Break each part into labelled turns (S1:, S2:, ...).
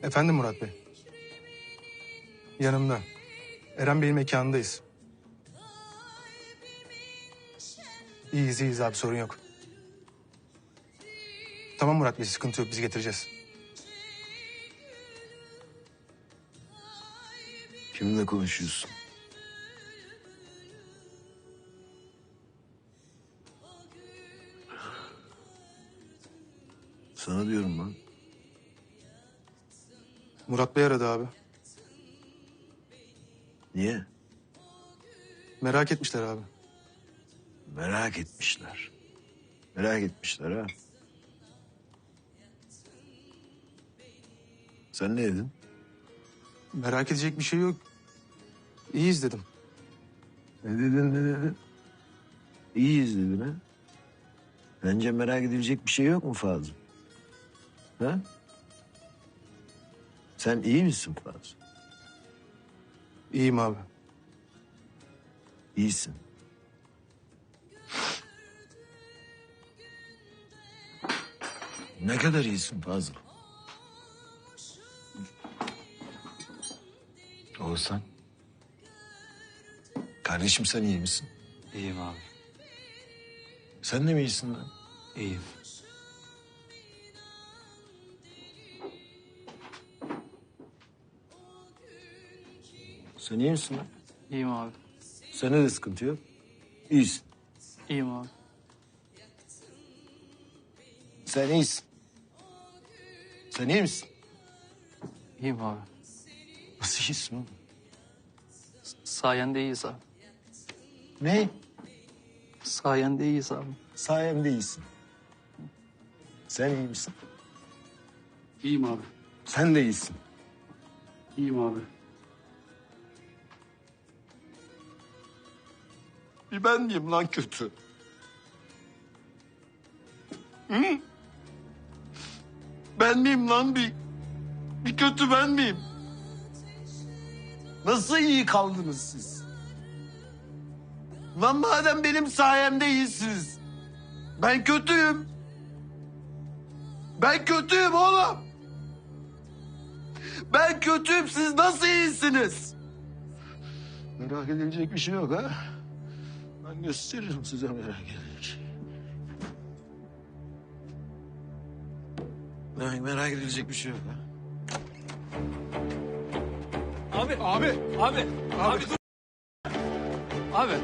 S1: Efendim Murat Bey. Yanımda. Eren Bey'in mekanındayız. İyiyiz abi, sorun yok. Tamam Murat Bey, sıkıntı yok, biz getireceğiz.
S2: Kiminle konuşuyorsun? Sana diyorum lan.
S1: Murat Bey aradı abi.
S2: Niye?
S1: Merak etmişler abi.
S2: Merak etmişler. Merak etmişler ha. Sen ne dedin?
S1: Merak edecek bir şey yok. İyiyiz dedim.
S2: Ne dedin? İyiyiz dedin ha. Bence merak edilecek bir şey yok mu Fazıl? Ha? Sen iyi misin Fazıl?
S1: İyiyim abi.
S2: İyisin. Ne kadar iyisin Fazıl? Oğuzhan. Kardeşim sen iyi misin?
S3: İyiyim abi.
S2: Sen de mi iyisin lan?
S3: İyiyim.
S2: Sen iyi misin lan?
S3: İyiyim abi.
S2: Sende de sıkıntı yok. İyisin.
S3: İyiyim abi.
S2: Sen iyisin. Sen iyi misin?
S3: İyiyim abi.
S2: Nasıl iyisin oğlum?
S3: Sayende iyiyiz abi.
S2: Ne?
S3: Sayende iyiyiz abi.
S2: Sayemde iyisin. Sen iyi misin?
S3: İyiyim abi.
S2: Sen de iyisin.
S3: İyiyim abi.
S2: Bir ben miyim lan kötü? Hı? Ben miyim lan bir kötü ben miyim? Nasıl iyi kaldınız siz? Lan madem benim sayemde iyisiniz. Ben kötüyüm. Ben kötüyüm oğlum. Ben kötüyüm, siz nasıl iyisiniz? Merak edilecek bir şey yok ha. Ben gösteririm size merak edilecek. Merak edilecek bir şey yok ha.
S3: Abi dur. Abi.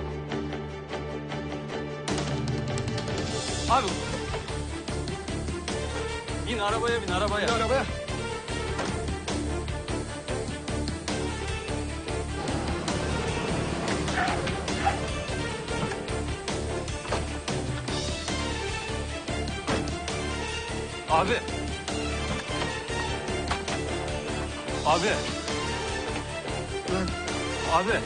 S3: Abi. Bin arabaya.
S2: Arabaya.
S3: Abi. Abi. Abi.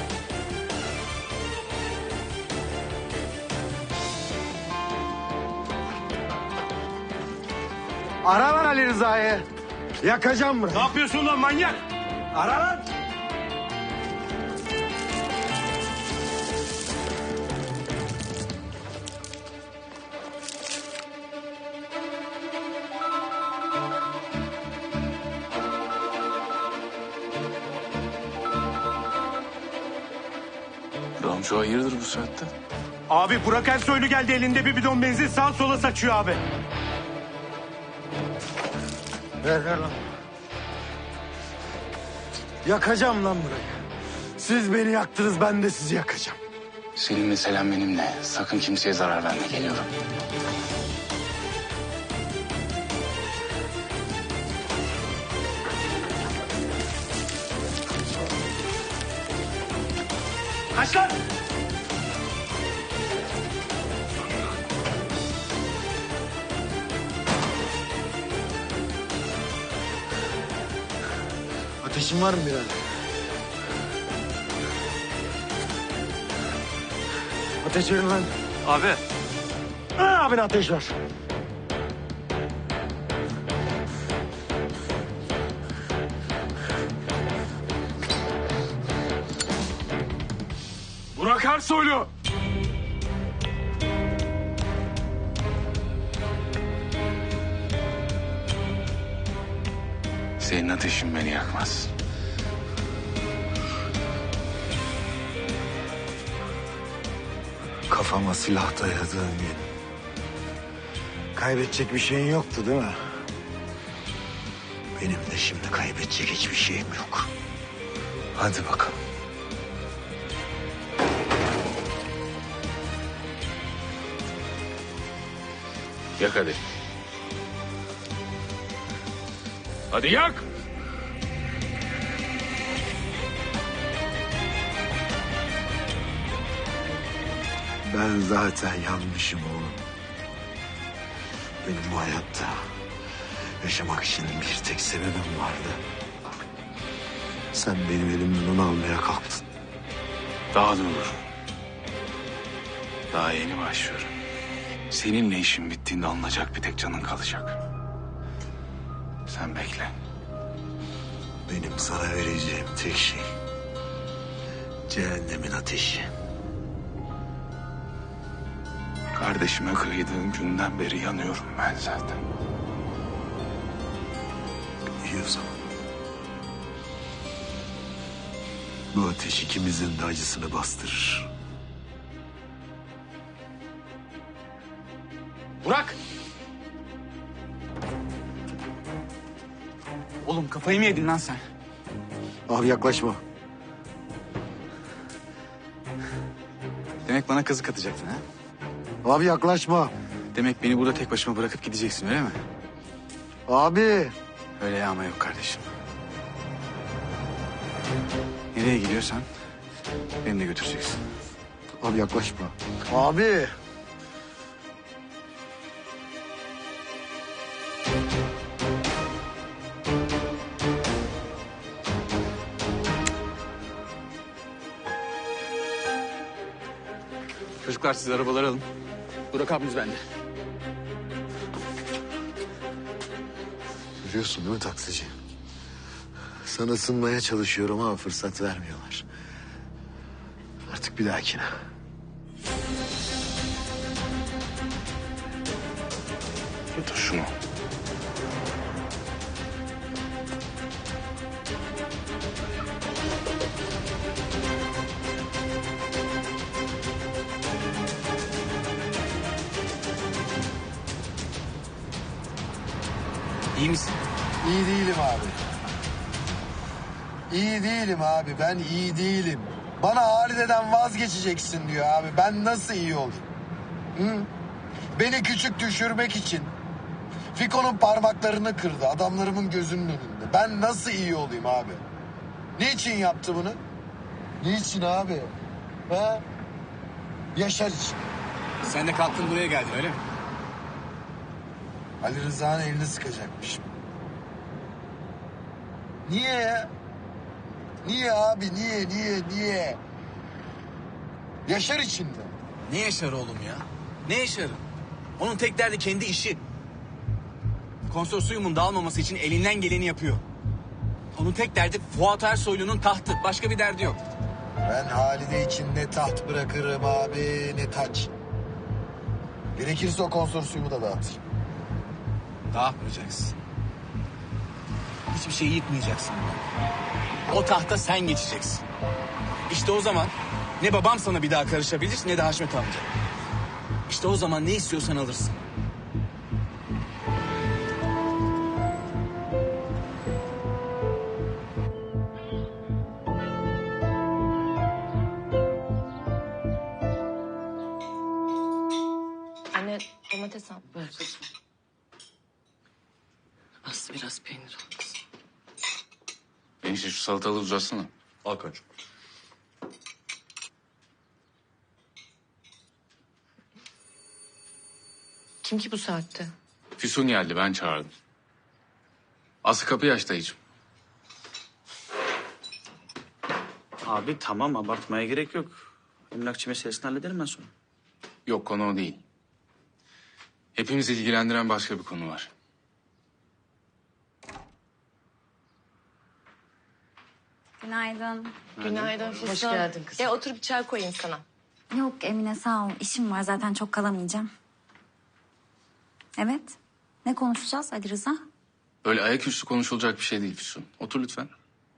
S2: Ara lan Ali Rıza'yı. Yakacağım burayı.
S4: Ne yapıyorsun lan manyak?
S2: Ara lan.
S5: Ramço hayırdır bu saatte?
S4: Abi Burak Ersoylu geldi, elinde bir bidon benzin sağa sola saçıyor abi.
S2: Ver lan. Yakacağım lan burayı. Siz beni yaktınız, ben de sizi yakacağım.
S5: Senin meselen benimle. Sakın kimseye zarar verme, geliyorum.
S4: Kaç lan!
S2: Ateşin var mı birader? Ateş verin lan.
S3: Abi.
S2: Abine ateş ver.
S4: Burak Ersoylu!
S5: Senin ateşin beni yakmaz.
S2: Kafama silah dayadığın gün. Kaybedecek bir şeyin yoktu değil mi? Benim de şimdi kaybedecek hiçbir şeyim yok. Hadi bakalım.
S5: Yak hadi. Hadi yak!
S2: Ben zaten yanmışım oğlum. Benim bu hayatta yaşamak için bir tek sebebim vardı. Sen benim elimden onu almaya kalktın.
S5: Daha dur. Daha yeni başlıyorum. Seninle işin bittiğinde alınacak bir tek canın kalacak. Sen bekle.
S2: Benim sana vereceğim tek şey cehennemin ateşi.
S5: Kardeşime kıydığın günden beri yanıyorum ben zaten.
S2: İyi o zaman. Bu ateş ikimizin de acısını bastırır.
S3: Burak! Oğlum kafayı mı yedin lan sen?
S2: Abi yaklaşma.
S3: Demek bana kazık atacaktın ha?
S2: Abi yaklaşma.
S3: Demek beni burada tek başıma bırakıp gideceksin öyle mi?
S2: Abi.
S3: Öyle yağma yok kardeşim. Nereye gidiyorsan beni de götüreceksin.
S2: Abi yaklaşma. Abi.
S3: Çocuklar siz arabaları alın. Burak abimiz bende.
S2: Görüyorsun değil mi taksici? Sana ısınmaya çalışıyorum ama fırsat vermiyorlar. Artık bir dahakine.
S5: Götür şunu.
S3: İyi misin?
S2: İyi değilim abi. İyi değilim abi. Ben iyi değilim. Bana Halide'den vazgeçeceksin diyor abi. Ben nasıl iyi olayım? Hı? Beni küçük düşürmek için Fiko'nun parmaklarını kırdı adamlarımın gözünün önünde. Ben nasıl iyi olayım abi? Niçin yaptı bunu? Niçin abi? Ha? Yaşar için.
S3: Sen de kalktın buraya geldin öyle mi?
S2: Ali Rıza'nın elini sıkacakmış. Niye ya? Niye abi? Niye? Yaşar için mi?
S3: Ne Yaşar oğlum ya? Ne Yaşar'ı? Onun tek derdi kendi işi. Konsorsiyumun dağılmaması için elinden geleni yapıyor. Onun tek derdi Fuat Ersoylu'nun tahtı. Başka bir derdi yok.
S2: Ben Halide için ne taht bırakırım abi ne taç. Gerekirse o konsorsiyumu da dağıtırım.
S3: Dağıtmayacaksın. Hiçbir şeyi yıkmayacaksın. O tahta sen geçeceksin. İşte o zaman ne babam sana bir daha karışabilir ne de Haşmet amca. İşte o zaman ne istiyorsan alırsın.
S6: Anne domates al.
S7: Ver kızım. Az biraz peynir al kızım.
S5: Enişte şu salatalığı uzatsana.
S3: Al koçum.
S6: Kim ki bu saatte?
S5: Füsun geldi, ben çağırdım. Aslı kapıyı aç dayıcığım.
S8: Abi tamam abartmaya gerek yok. Emlakçı meselesini hallederim ben sonra.
S5: Yok, konu o değil. Hepimizi ilgilendiren başka bir konu var.
S9: Günaydın.
S6: Günaydın Füsun.
S7: Hoş geldin kızım.
S6: Gel otur bir çay koyayım sana.
S9: Yok Emine sağ ol. İşim var zaten çok kalamayacağım. Evet. Ne konuşacağız Ali Rıza?
S5: Öyle ayaküstü konuşulacak bir şey değil Füsun. Otur lütfen.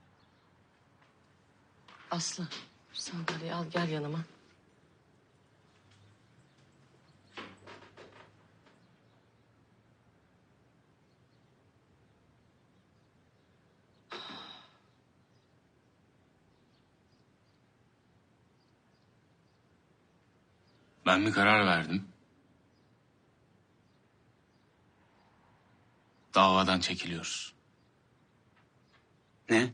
S7: Aslı sandalyeyi al gel yanıma.
S5: Ben bir karar verdim. Davadan çekiliyoruz.
S8: Ne?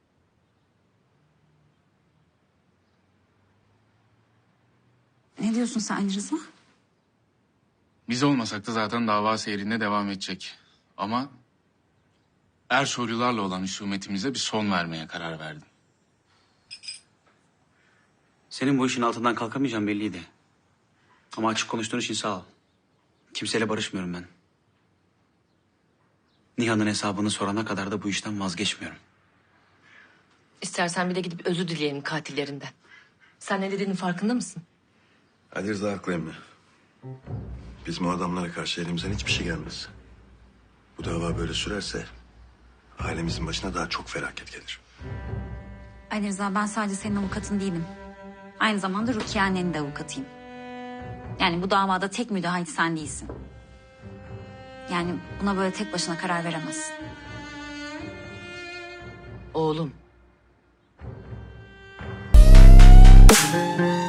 S9: Ne diyorsun sen Ali Rıza?
S5: Biz olmasak da zaten dava seyrinde devam edecek. Ama Ersoylularla olan husumetimize bir son vermeye karar verdim.
S8: Senin bu işin altından kalkamayacağım belliydi. Ama açık konuştuğun için sağ ol. Kimseyle barışmıyorum ben. Nihan'ın hesabını sorana kadar da bu işten vazgeçmiyorum.
S7: İstersen bir de gidip özür dileyelim katillerinden. Sen ne dediğinin farkında mısın?
S10: Ali Rıza haklı emmi. Bizim o adamlara karşı elimizden hiçbir şey gelmez. Bu dava böyle sürerse ailemizin başına daha çok felaket gelir.
S9: Ali Rıza, ben sadece senin avukatın değilim. Aynı zamanda Rukiye annenin de avukatıyım. Yani bu davada tek müdahil sen değilsin. Yani buna böyle tek başına karar veremezsin.
S7: Oğlum.